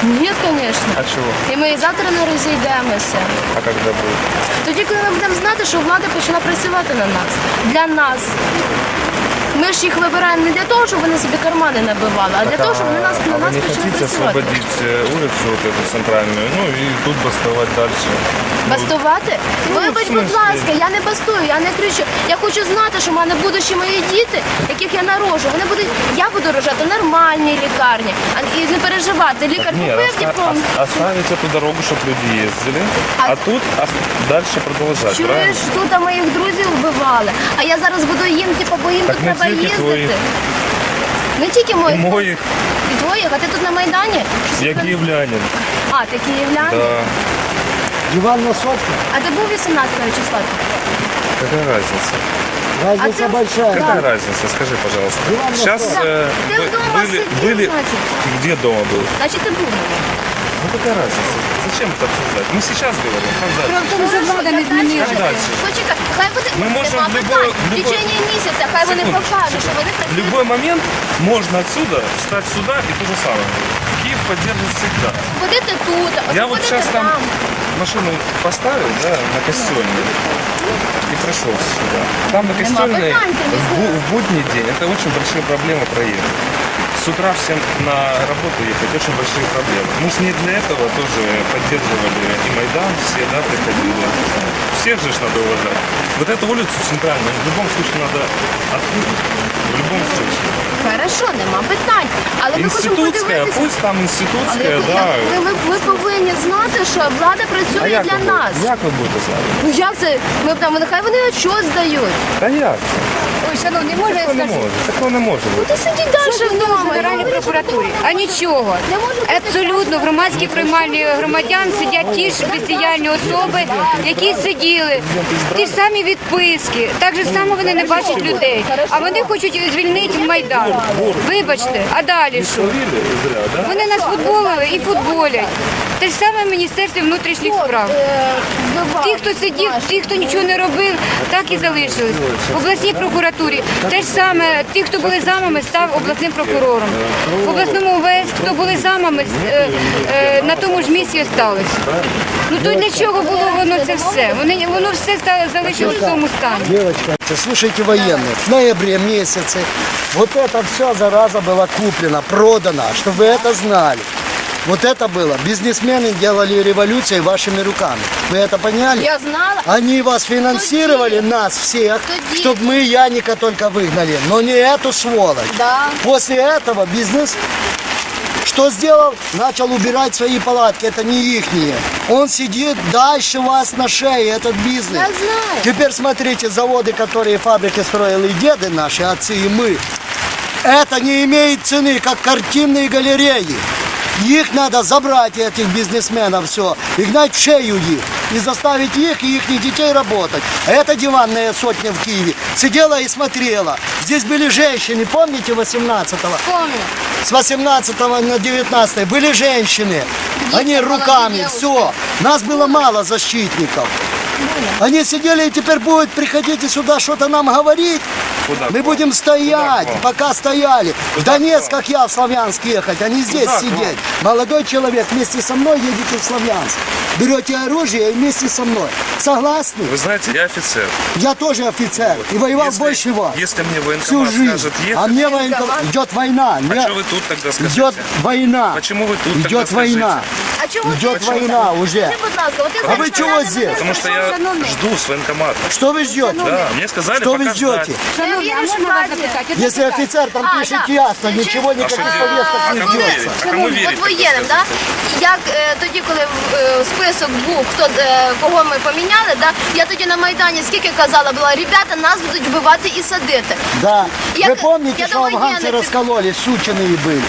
Ні, звісно. А чего? І ми і завтра не розійдемося. А когда будет? Тоді, коли ми будемо знати, що влада почала працювати на нас, для нас. Ми ж їх вибираємо не для того, щоб вони собі кармани набивали, а для того, щоб вони на вы нас не почали хотите працювати. освободить улицу вот эту центральную, ну и тут бастовать дальше? Бастувати? Вибач, в будь смислі? ласка, я не бастую, я не кричу. Я хочу знати, що в мене будуть мої діти, яких я народжу. Вони будуть, я буду рожати в нормальній лікарні. І не переживати. Лікар Нет, купив диплом. оставить эту дорогу, чтобы люди ездили, А- а тут дальше продолжать, Чуєш, правильно? тут моїх друзів вбивали. А я зараз буду їм, бо їм Так тут не треба тільки їздити. твоїх. Не тільки И моїх. моих, І твоїх, а ти тут на Майдані? я киевлянин. А, ти київлянин? Да, Диван на сотку. А ти був 18 числа? какая разница? Разница А ты- большая. Какая разница, скажи, пожалуйста. Диван на Сейчас стол. Ты дома сидел, значит? Где дома был? Значить, ти був. Ну какая разница? Зачем это обсуждать? Мы сейчас говорим, как дальше? Про тому, що влада не змінилася. Як далі? Почекай, хай буде Ми можемо нема в питань. любой- В течение місяця, хай вони Секундочку, покажуть, що вони В працюють. любой момент можно отсюда встать сюда и то же самое. Киев поддерживает всегда. Ходити тут, а Я вот ходити сейчас там там. машину поставил, да, на Костельной и прошел сюда. Там на Костельной питань, ты не в будний день это очень большие проблемы проехать. С утра всем на работу ехать очень большие проблемы. Мы же не для этого тоже поддерживали и Майдан, все, да, приходили. Всех же ж надо уважать. Вот эту улицу центральную в любом случае надо открыть. В любом случае. Хорошо, нема питань. Але ми хочемо Институтская, подивитися. пусть там Але институтская, да. ми повинні знати, що влада А працює як для ви нас. будете? Як ви будете знати? Ну як це? Ми там, нехай вони отчет здають. Та як? Ой, шановний, може я Такого не скажу? може. Такого не може Ну бути. ти сидіть далі Що було в вдома. Генеральній прокуратурі? А нічого. Не може бути Абсолютно в громадській приймальні громадян сидять ті ж спеціальні особи, які сиділи. Ті ж самі відписки. Так же само вони не бачать людей. А вони хочуть звільнити Майдан. Вибачте, а далі що? Словили зря, да? Вони нас футболили і футболять. Те ж саме в Міністерстві внутрішніх справ. Ті, хто сидів, ті, хто нічого не робив, так і залишились. В обласній прокуратурі те ж саме, ті, хто були замами, став обласним прокурором. В обласному ОВС, хто були замами, на тому ж місці осталися. Ну то для чого було воно це все? Воно все залишилось в тому стані. Девочка, слушайте военных, в ноябре месяце вот это все, зараза, была куплена, продана, чтобы вы это знали. Вот это было. Бизнесмены делали революцию вашими руками. Вы это поняли? Я знала. Они вас финансировали, нас всех, Тоді. чтобы мы Яника только выгнали, но не эту сволочь. Да. После этого бизнес что сделал? Начал убирать свои палатки, это не ихние. Он сидит дальше вас на шее, этот бизнес. Я знаю. Теперь смотрите, заводы, которые фабрики строили и деды наши, отцы и мы, это не имеет цены, как картинные галереи. Их надо забрать, этих бизнесменов, все, и гнать в шею их, и заставить их и их детей работать. А эта диванная сотня в Киеве сидела и смотрела. Здесь были женщины, помните, 18-го? Помню. С 18 на 19 были женщины. Они руками, все. Нас было мало защитников. Они сидели и теперь будут приходить и сюда что-то нам говорить. Куда к Мы вам? будем стоять, Куда к вам? пока стояли. В Куда Донецк, к вам? как я, в Славянск ехать, а не здесь Куда к сидеть. Молодой человек, вместе со мной едете в Славянск. Берете оружие и вместе со мной. Согласны? Вы знаете, я офицер. Я тоже офицер и воевал Если- больше вас. Если мне Всю военкомат жизнь. скажет А ехать, мне военкомат. Идет война. а Мне- что вы тут тогда скажете? Идет война. Почему вы тут тогда Идет скажите? война. А чому Идет ти? война уже. Скажи, будь ласка, от ти А знаєш, ви що чого мене здесь? не Потому что я жду с военкомата. Что вы ждете? Да, мне сказали Что вы пока ждете? ждать. Шановні, а віриш можна вас владі? запитати? Одне Если питання. офицер, там А, пишет да. ясно, ничего, А никаких что повесток делать? не А кому ждется. верить? А кому верить? От воєнним, да? Як тоді, коли список був, кого ми поміняли, да? Я тоді на Майдані скільки казала була, ребята, нас будуть вбивати і садити. Да. Я- Вы помните, я что до афганцы военных- раскололись, сученые были?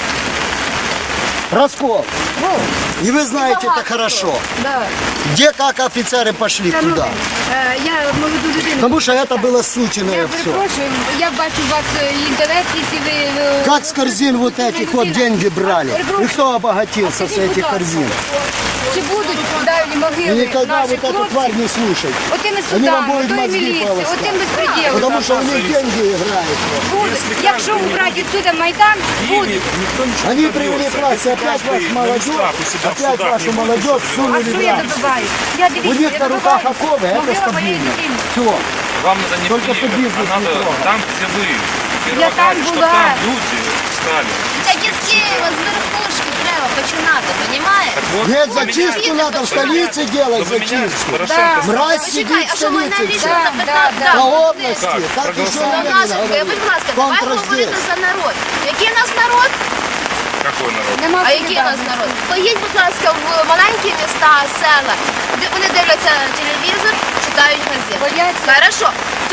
Раскол. И вы знаете это хорошо. Да. Где, как офицеры пошли туда? Я молоду людину. Потому что это было сученое Я все. перепрошую, я бачу у вас інтернет, якщо ви... Как с корзин вот этих вот деньги брали? И кто обогатился с этих корзин? чи будуть далі И могили никогда наших вот эту тварь хлопців, не слушай. отими Они вам судами, будут отою мозги міліцією, полоскать. отим безпреділом. Потому что у них деньги играют. Будуть. Якщо убрати відсюди Майдан, будуть. Никто ничего Они не привели к добьется. власти Если опять каждый вашу молодежь, магистрат у себя в опять судах вашу не будет молодежь ничего сунули А в що я рамки. добиваюсь? Я У дивіться, них я на руках добиваюсь оковы, это могила моєї стабильно. дитини. Все. Вам надо не Только в под Киеве, бизнес а надо не трогать. там, где вы. Я там Что была. там люди стали. Так із Києва, з верхушки треба починати, понімаєш? Так вот, Нет, вы зачистку меняете- надо в столице делать, Вы меняете зачистку. Порошенко. Да. Мразь Почекай, сидит в а що ви столице. навіщо вся. запитати? Да. По области. Как? Так Проголосовали. еще Ну, не наші, будь ласка, давай говорити за народ. Який у нас народ? Какой народ? Нема А який у нас народ? Поїдь, будь ласка, в маленькі міста, села, де вони дивляться телевізор, читають газети. Бояться. Хорошо.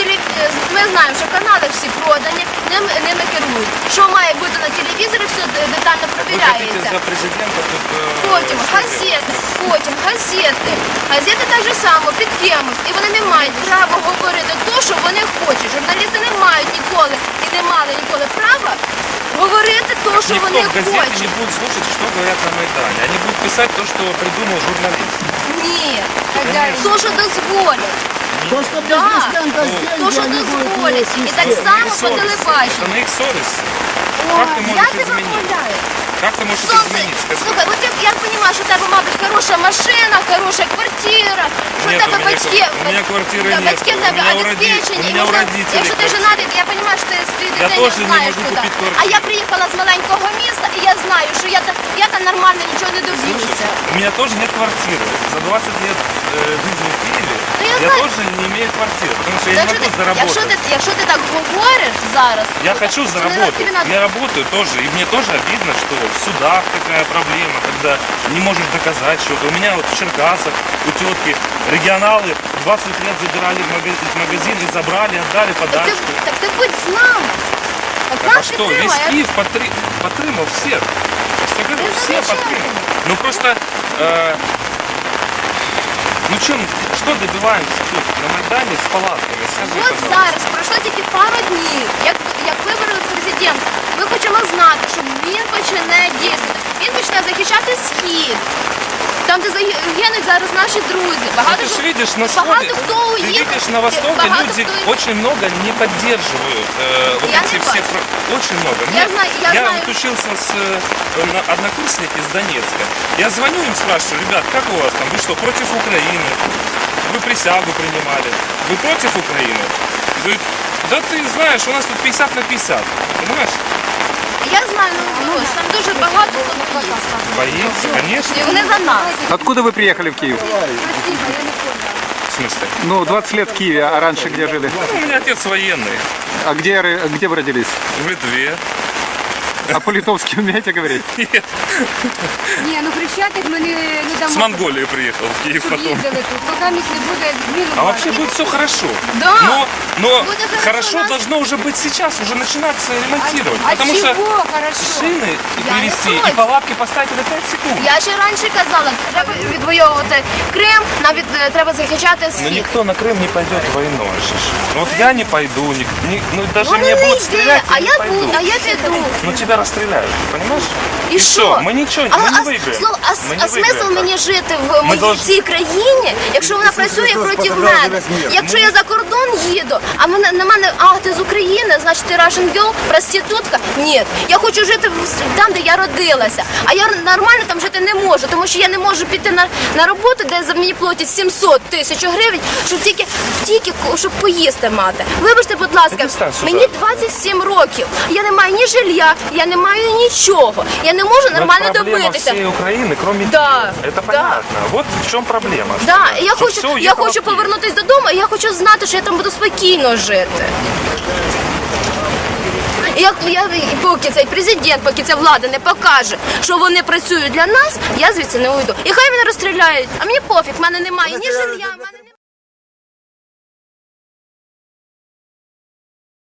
Ми знаємо, що канали всі продані, ними керують. Що має бути на телевізорі, все детально Вы хотите перевіряється. за президента тут... Потім что газети, потім газети. Газети так же само під кимось. І вони не мають права говорити те, що вони хочуть. Журналісти не мають ніколи і не мали ніколи права говорити те, що Никто вони в газете не хочуть. будет слушать, что говорят на Майдане. Они будут писать то, что придумал журналист. Ні. Хазяїн. То, що дозволять. То, что бизнесмен даст То, деньги, що они будут дозволять. І так вести. само Их по совесть. телебаченню. Это на их совесть. Ой, Как ты я можешь тебе изменить? умоляю. Как ты можешь это Сонце, изменить? Скажи. слухай, от я розумію, що в тебе, мабуть, хороша машина, хороша квартира, що в Нет, тебе у меня батьки, у меня квартиры нет. батьки в тебе У меня у обеспечені. у і меня у можна- родителей Якщо ти квартира. женатий, то я розумію, що ти свій Я дитині тоже не знаєш можу куди. купити квартиру. А я приїхала з маленького міста, і я знаю, що я там нормально нічого не доб'юся. У меня тоже нет квартиры. За 20 лет жизни в Киеве Ну, я я знаю. тоже не имею квартиры, потому что я не Якщо могу ти, заработать. якщо ти так говориш зараз, Я хочу то заработать. тобі надо- Я работаю тоже. И мне тоже обидно, что в судах такая проблема, когда не можешь доказать что-то. У меня вот в Черкасах, у тетки, регионалы 20 лет забирали в магазин и забрали, отдали подачку. так ти будь з нами. От Так а нас что, весь підтримай. Киев подтримал всех. Я говорю, Ну, все зачем? подтримал. Ну просто, ну что добиваемся тут на Майдане с палатками? Скажи, От пожалуйста. зараз пройшло тільки пару днів, як виборили президента. Ми хочемо знати, що він почне дійсно. Він почне захищати схід. Там, де загинуть зараз наші друзі. Ну, Багато ты же хто- видишь на багато сходе, хто ты уїхав. видишь на Востоке багато люди хто- очень много не поддерживают вот Я эти не все, бачу. очень много. Я знаю- я знаю. вот учился с однокурсники из Донецка. Я звоню им, спрашиваю, ребят, как у вас там, вы что, против Украины? Вы присягу принимали, вы против Украины? Говорит, да ты знаешь, у нас тут 50 на 50, понимаешь? Я знаю, ну там дуже багато хто Боится, конечно. І вони за нас. Откуда вы приехали в Киев? В смысле? Ну, 20 лет в Киеве, а раньше где жили? Ну, у меня отец военный, А где вы родились? в Литве. А по-литовски умеете говорить? Нет, Ні, ну Хрещатик ми не дамо. с Монголии приехал в Киев Щоб потом. їздили тут. Поки місць не буде зміну. А вообще будет все хорошо. Да. Но Будет хорошо, хорошо нас- должно уже быть сейчас, уже начинаться ремонтировать. А потому чого что хорошо? шины Я не привезти и против. палатки поставить на 5 секунд. Я ще раніше казала, треба відвоювати Крим, треба захищати Но схід. никто на Крым не пойдет войной. Вот я не пойду, ну даже Ну мне не будут йди, стрелять, а я не я пойду. буду, а я піду. Но тебя расстреляют, понимаешь? І що? всё, мы ничего не выиграем. Мы не А смисл выиграем мені так. жити в моїй должны- цій країні, якщо вона працює проти мене? Якщо я за кордон їду, а на мене, ти з України, значить ти Russian girl, проститутка? Ні, я хочу жити там, де я родилася. А я нормально там жити не можу, тому що я не можу піти на роботу, де за мені платять 700 тисяч гривень, щоб тільки щоб поїсти мати. Вибачте, будь ласка, Перестань сюди. мені 27 років. Я не маю ні жилья, я не маю нічого. Я не можу Но это нормально проблема добитися. всей Украины, кроме Да, Киева. Это да. понятно. Вот в чем проблема. Да, і я Что хочу, всё я уехало хочу в Киев. повернутися додому, і я хочу знати, що я там буду спокійно жити. І поки цей президент, поки ця влада не покаже, що вони працюють для нас, я звідси не уйду. І хай мене розстріляють, а мені пофіг, в мене немає ні жилья, в мене немає.